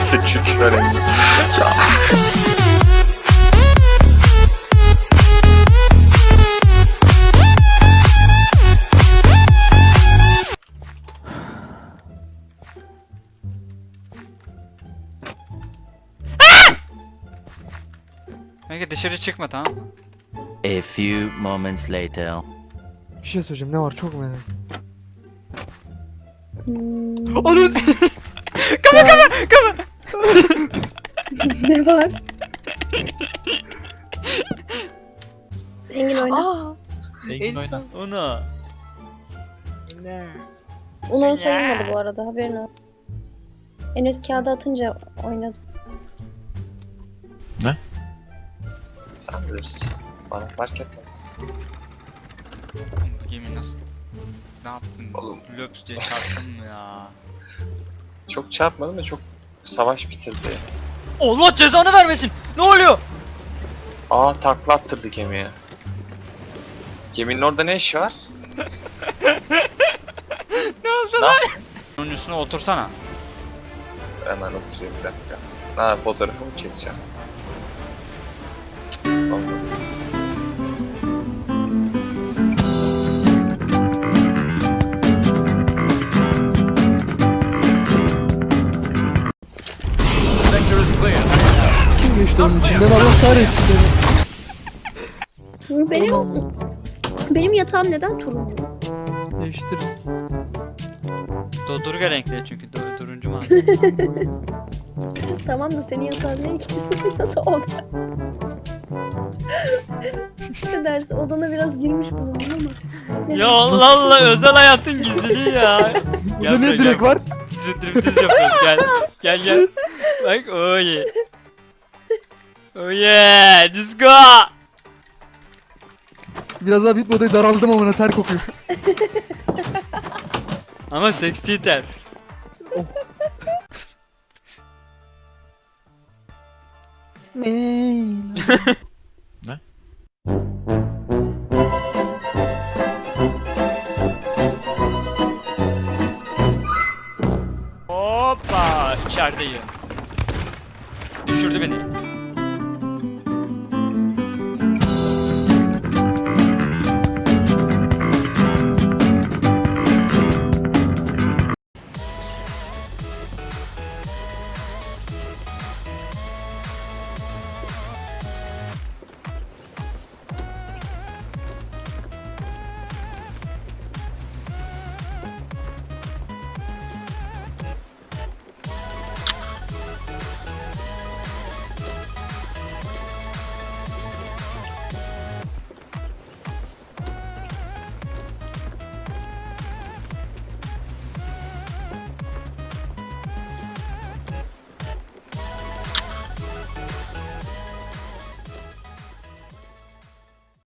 Çünkü söyleyeyim. Kanka dışarı çıkma, tamam mı? A few moments later. Bir şey söyleyeceğim, ne var çok merak ettim. Onun kama. Ne var? Engin oyna. Aa, Engin oyna. Ona. Onun sayılmadı bu arada, haberin olsun. Enes kağıdı atınca oynadı. Sen bilirsin. Bana fark etmez. Yemin nasıl? Ne yaptın? Oğlum. Löps diye çarptın mı ya? Çok çarpmadım da çok savaş bitirdi. Allah cezanı vermesin. Ne oluyor? Aa, takla attırdı gemiye. Geminin orada ne işi var? Ne oldu lan? Onun üstüne otursana. Hemen oturayım bir dakika. Ha, fotoğrafımı çekeceğim. Cık, olmadı. Kim geçti onun içinden, Allah kahretsin beni. Benim yatağım neden turuncu? Değiştiririz. Dodurga renkli çünkü turuncu mu? Tamam da senin yatağın ne? Nasıl oda? Ne dersin? Odana biraz girmiş bulundum ama. Ya Allah Allah, özel hayatın gizliliği ya. Burada ne direkt var? Striptiz yapıyoruz, gel. Gel. Bak oh yeah. Oh yeah, let's go. Biraz daha bitmedi, daraldım amına, ter kokuyor. Ama seksi ter. Hoppa, içerideyim. Düşürdü beni.